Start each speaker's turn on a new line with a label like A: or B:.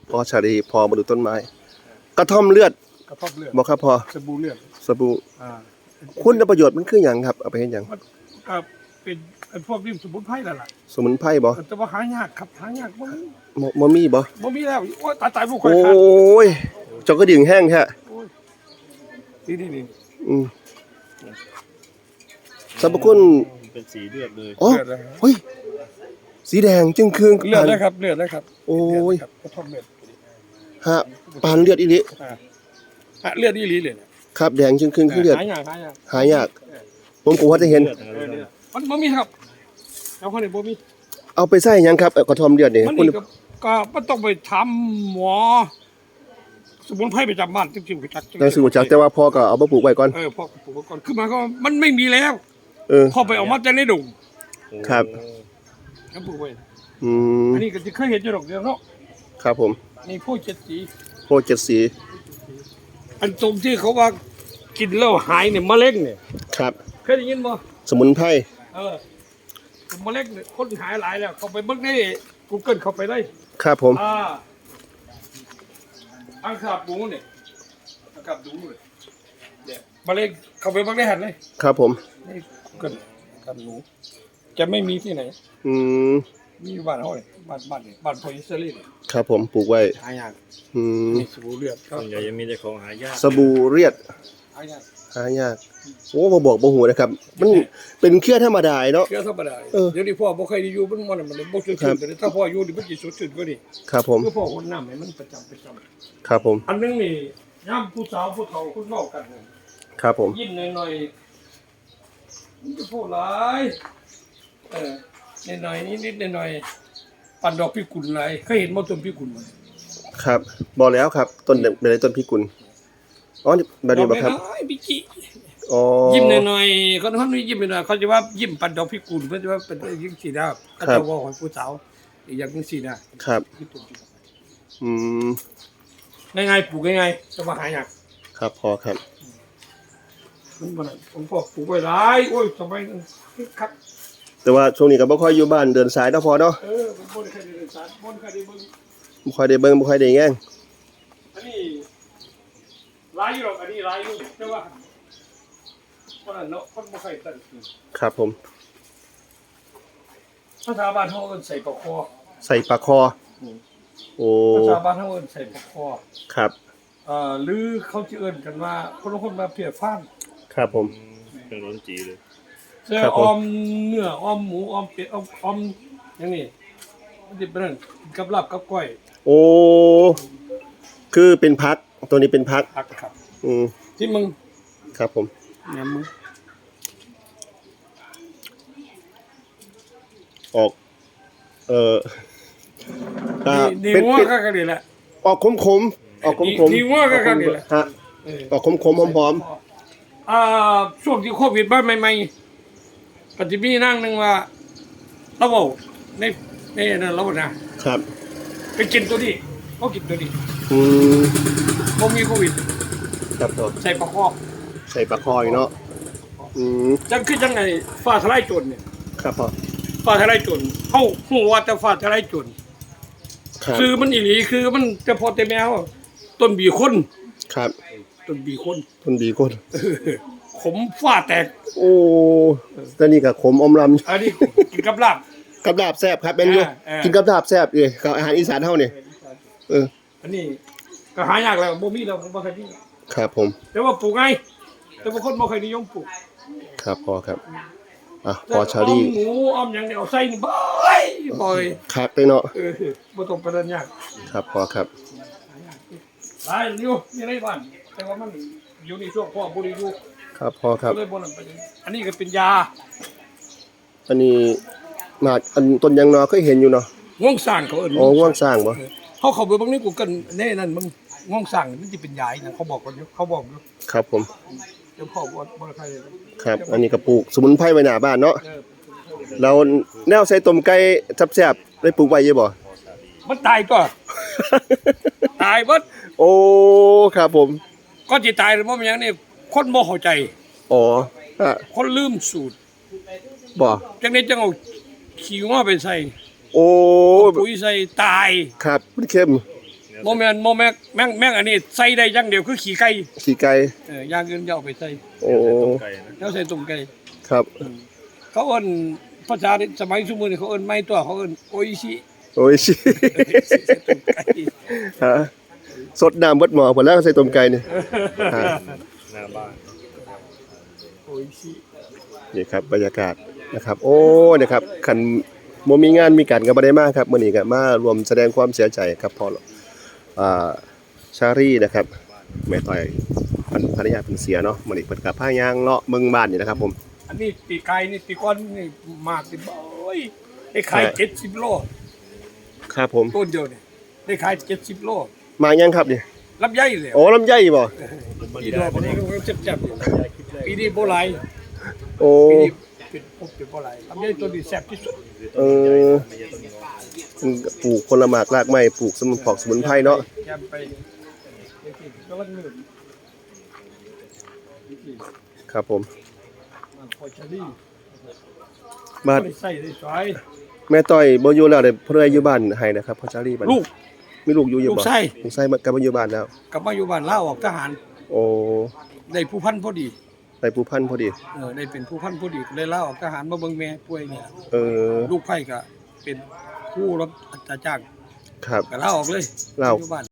A: พอชาลีพอมาดูต้นไม้กระท่อมเลือดบ่ครับพอ
B: สบู่เลือด
A: สบู่คุณประโยชน์มันคือหยังครับเอาไปเฮ็ดหยัง
B: ก็เป็นพวกริมสมุนไพรนั่นล่ะ
A: สมุนไพรบ่
B: แต่ว่าหายากครับหายาก
A: บ่มีบ่
B: แล้วโอ้ยตายลูกค่อย
A: ขาดโอ้ยเจ้าก็ดิ่งแห้งแท้
B: นี่
A: สรรพคุณ
C: เป็นสีเลือดเลย
A: อ๋อเฮ้ยสีแดงจึงคือง
B: เลือดเลยครับ
A: โอ้ย
B: กระท่อมเลือด
A: ฮะปานเลือดอีหลี
B: เลือดอีหลีเลย
A: ครับแดงจึงคืองคือเลือดหายากผมก็ว่าจะเห็น
B: มันบ่มีครับเอาคนนี้บ่มี
A: เอาไปใส่หยังครับกระท่อมเลือดนี่
B: คุณก็มันต้องไปทำหมอสมุนไพรประจำบ้านจริงๆจัก
A: แต่สมุนจักแต่ว่าพ่อก็เอามาปลูกไว้ก่อน
B: พ่อปลูกไว้ก่อนคือมาก็มันไม่มีแล้วพ่อไปเอามาจากในดง
A: ครับ
B: แล้วปลูกไว้อันนี้ก็จะเคยเห็นอยู่ดอกเดียวเนาะ
A: ครับผม
B: นี่โพเจ็ดสีอันตรงที่เขาว่ากินแล้วหายเนี่ยมะเร็งเนี่ย
A: ครับ
B: เคยได้ยินบ่
A: สมุนไพร
B: มะเร็งเนี่ยคนหายหลายแล้วเขาไปเบิ่งใน Google เข้าไปได้
A: ครับผม
B: อังคาบหมูเนี่ยอังคาบหมูเนี่ยมะเร็งเข้าไปเบิ่งได้หันเลย
A: ครับผม
B: นี่ Google กับหนูจะไม่มีที่ไหนมีบ้านเฮาเนี่ยบ้านพออิสราเอล
A: ครับผมปลูกไว้
B: หายากมีสบู่เลือด
C: ส่วนใหญ่ยังมีแต่ของหายาก
A: สบู่เลือดหายากโอ้บ่บอกบ่ฮู้นะครับมันเป็นเครือธรรมดาเนาะ
B: เครือธรรมดาเดี๋ยวนี้พ่อบ่เคยได้อยู่มันบ่สดชื่นแต่ถ้าพ่ออยู่นี่มันสิสดชื่นกว่านี้
A: ครับผม
B: คือพ่อคนน้ำให้มันประจำ
A: ครับผม
B: อันนึงนี่ยามผู้สาวผู้เฒ่าคุณเว้ากัน
A: ครับผม
B: ยิ้มหน่อยๆมันจะพูดหลายหน่อยๆนิดๆหน่อยๆปั่นดอกพิกุลหลายเคยเห็นบ่ต้นพิกุลมั้ย
A: ครับบ่แล้วครับต้นเป็นต้นพิกุลอ๋อแบบนี้บ่ครับ
B: พิจิยิ้มหน่อยๆเขานี่ยิ้มหน่อยเขาจะว่ายิ้มปั่นดอกพิกุลเพิ่นจะว่าเป็นจังซี่นะเขาจะว่าของผู้สาวอีกอย่างจังซี่นะครับง่ายๆปลูกง่ายๆจะมาหายาก
A: ครับพอครับ
B: ผมพอปลูกไว้หลายโอ้ยสมัยนั้นคัก
A: แต่ว่าช่วงนี้ก็บ่ค่อยอยู่บ้านเดินสายเนาะพอเนาะ
B: บ่ได้เคยเดินสายบ่เคยได้เบิ่ง
A: บ่ค่อยได้เบิ่งบ่ค่อยได้แง่ง
B: อันนี้หลายอยู่หรอกอันนี้หลายอยู่แต่ว่าคนนั้นเนาะคนบ่เคยตั้ง
A: ครับผม
B: ภาษาบ้านเฮาเอิ้นใส่ปากคอ
A: ใส่ปากคอโอ้
B: ภาษาบ้านเฮาเอิ้นใส่ปากคอ
A: ครับ
B: หรือเขาสิเอิ้นกันว่าคนละคนมาเพียฟ้าน
A: ครับผม
C: เป็นร้อนจีเลย
B: ออมเนื้อออมหมูออมเป็ดออมอย่างนี้มันสิเป็นนั่นกับลาบกับก้อย
A: โอ้คือเป็นพักตัวนี้เป็นพัก
B: ครับ
A: ที่มึงครับผม
B: เนี่ยมึง
A: ออก
B: ดีงัวก็ดีแหละ
A: ออกขมออกขม
B: ดีงัวก็ดีแหละ
A: ฮะออกขมหอม
B: ช่วงที่โควิดบ้านใหม่ๆปฏิบีนั่งนึงว่าเราบอกในนั่นเรานะครับไปกินตัวนี้เขากินตัวนี้เขามีโควิด
A: ครับผม
B: ใส่ปลาค
A: ออยู่เนาะ
B: จังคือจังไงฟ้าทลายโจรเนี่ย
A: ครับพ่อ
B: ฟ้าทลายโจรเขาหัวแต่ฟ้าทลายโจรคือมันอีหลีคือมันจะพอแต่แมวต้นบีคน
A: ครับ
B: ต้นบีคนขมฟ้าแตก
A: โอ้ตอนนี้ก็ขมอมลำ
B: อันนี้กินกับลาบ
A: แซ่บครับเป็นอยู่กินกับลาบแซ่บเอ้ยกับอาหารอีสานเฮานี่
B: อันนี้ก็หายากแล้วบ่มีแล้วบ่เคยมี
A: ครับผม
B: แต่ว่าปลูกไงแต่บางคนบ่เคยนิยมปลูก
A: ครับพอครับพอชาลี
B: หมูอ้อมอย่างเดียวใส่นี่บ่อย
A: ครับไปเนาะ
B: บ่ต้องประเด็นยาก
A: ครับพอครับ
B: หลายอยู่ในบ้านแต่ว่ามันอยู่ในช่วงพ่อบ่ได้อยู่
A: ครับพอครับ
B: อันนี้ก็เป็นยา
A: อันนี้มาอันต้นยังนอเคยเห็นอยู่เนาะ
B: ง่วงสร้างเขาเอิ้น
A: ง่วงสร้างบ่
B: เขาไปบางนี้กูกันแน่นั่นมึงง่วงสร้างมันสิเป็นยาอย่างเขาบอกกันอยู่เขาบอกอยู่
A: ครับผม
B: เจ้าพ่อบ่ใคร
A: ครับอันนี้ก็ปลูกสมุนไพรไว้หน้าบ้านเนาะเราแนวใส่ต้มไก่แซ่บๆได้ปลูกไว้อยู่บ่
B: มันตายตัวตายเบิด
A: โอ้ครับผม
B: ก็สิตายเพราะมันหยังนี่คนบ่เข้าใจคนลืมสูตร
A: บ่
B: จังได๋จังเอาขี้ง้อไปใส่
A: โอ้
B: ปุ๋ยใส่ตาย
A: ครับมันเค็ม
B: โมแมนแม่งอันนี้ใส่ได้อย่างเดียวคือขี่ไก่
A: ขี่ไก่
B: อย่างอื่นอย่าเอาไปใส่
A: โอ้
C: ไก่นะ
B: แล้วใส่ตุ่มไก่
A: ครับ
B: เขาเอิ้นภาษาสมัยซุมื้อนี้เขาเอิ้นไม่ตัวเขาเอิ้นโออิชิ
A: โอ้ยชิ
B: ใส่ตุ่มไก่
A: ฮะสดน้ำเบิดหม้อพุ่นแล้วใส่ต้มไก่นี่ฮะ
C: หน้าบ้าน
B: โออิชิ
A: นี่ครับบรรยากาศนะครับ โอ้นะครับคันบ่มีงานมีการก็บ่ได้มาครับมื้อนี้ก็มารวมแสดงความเสียใจครับพอชารีนะครับแม่ต้อยภรรยาเพิ่นเสียเนาะมื้อนี้เพิ่นก็พาย่างเลาะเมืองบ้านนี่นะครับผม
B: อันนี้ปีไก่นี่ปีก้อนนี่มากสิโอ้ยได้ขาย70โล
A: ครับผม
B: ต้นเดียวนี่ได้ขาย70โล
A: มายังครับนี่
B: ลำไยเลย
A: โอ้ลำไยบ่
B: ปีดอกมันก็เจ็บๆปีนี้บ่หลาย
A: โอ้
B: ปีนี้เป็นบ่หลายลำไยตัวนี้แซ่บที่สุด
A: เออปลูกผลไม้รากไม้ปลูกสมุนไพรเนาะ
B: แกมไปก็วันมื้อ
A: ครับผม
B: มันพอจะดี
A: บ้าน
B: ได้ใส่ได้สวย
A: แม่ต้อยบ่อยู่แล้วได้เพิ่นอยู่บ้านให้นะครับพ่อชาลีบัด
B: ลูก
A: มีลูกอยู่
B: ลู
A: บ่
B: กไส้
A: ลูกไส้กลับมาอยู่บ้านแล้ว
B: กลับมาอยู่บ้านลาออกทหาร
A: โอ้
B: ได้ผู้พันพอดี
A: ไปภูพันธุ์พอดี
B: ได้เป็นผู้พันพอดีเลยลาออกทหารมาเบิ่งแม่ป่วยเนี่ย
A: เออ
B: ลูกไผ่ก็เป็นผู้รับจ้าง
A: ครับ
B: ก็ลาออกเลย
A: ลาออก
B: อยู่บ้าน